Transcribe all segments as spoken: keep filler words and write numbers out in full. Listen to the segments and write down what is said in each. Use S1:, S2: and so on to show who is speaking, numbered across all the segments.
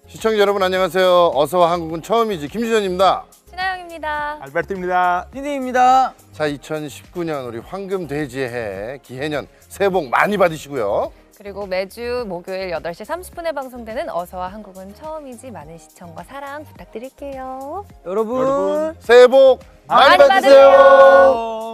S1: 시청자 여러분 안녕하세요. 어서와 한국은 처음이지 김주현입니다.
S2: 신하영입니다.
S3: 알베르토입니다.
S4: 딘딘입니다.
S1: 자, 이천십구 년 우리 황금돼지의 해 기해년 새해 복 많이 받으시고요.
S2: 그리고 매주 목요일 여덟 시 삼십 분에 방송되는 어서와 한국은 처음이지 많은 시청과 사랑 부탁드릴게요.
S4: 여러분,
S3: 여러분.
S1: 새해 복 많이,
S2: 많이
S1: 받으세요.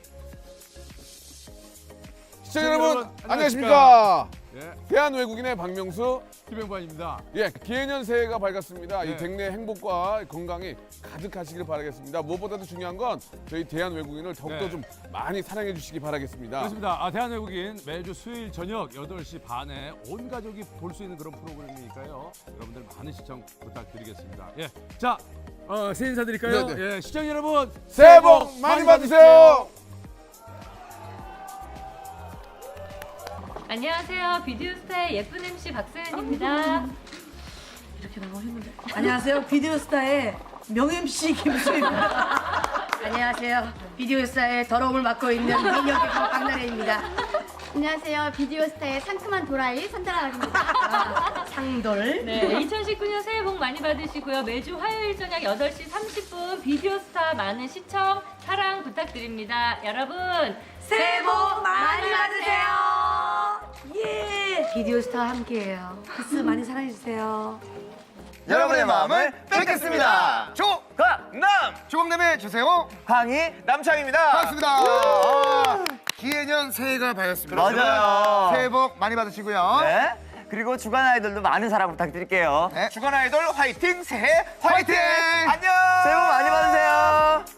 S3: 시청자 여러분 안녕하십니까?
S5: 예,
S3: 대한 외국인의 박명수.
S5: 김영관입니다.
S3: 예, 기해년 새해가 밝았습니다.
S5: 네.
S3: 이 백내 행복과 건강이 가득하시길 바라겠습니다. 무엇보다도 중요한 건 저희 대한 외국인을 더욱더
S5: 네.
S3: 좀 많이 사랑해 주시기 바라겠습니다.
S5: 그렇습니다. 아, 대한외국인 매주 수요일 저녁 여덟 시 반에 온 가족이 볼 수 있는 그런 프로그램이니까요. 여러분들 많은 시청 부탁드리겠습니다. 예, 자, 어, 새해 인사드릴까요?
S3: 네,
S5: 예, 시청자 여러분
S3: 새해 복 많이 받으세요.
S6: 안녕하세요. 비디오스타의 예쁜 엠씨 박소연입니다.
S7: 이렇게 나가고 했는데. 안녕하세요. 비디오스타의 명엠씨 김수입니다.
S8: 안녕하세요. 비디오스타의 더러움을 맡고 있는 민혁의 박나래입니다.
S9: 안녕하세요. 비디오스타의 상큼한 도라이 선달아입니다.
S8: 상돌.
S6: 네, 이천십구 년 새해 복 많이 받으시고요. 매주 화요일 저녁 여덟 시 삼십 분 비디오스타 많은 시청, 사랑 부탁드립니다. 여러분,
S8: 새해 복 많이 받으세요. 예. 비디오스타와 함께해요.
S7: 키스 많이 사랑해주세요.
S4: 여러분의 마음을 뺏겠습니다. 조강남 조금내매 주세요. 황희 남창입니다.
S10: 반갑습니다. 아, 기해년 새해가 밝았습니다.
S4: 맞아요.
S10: 새해 복 많이 받으시고요.
S4: 네. 그리고 주간 아이돌도 많은 사랑 부탁드릴게요.
S10: 네.
S4: 주간 아이돌 화이팅 새해 화이팅.
S10: 화이팅!
S4: 안녕. 새해 복 많이 받으세요.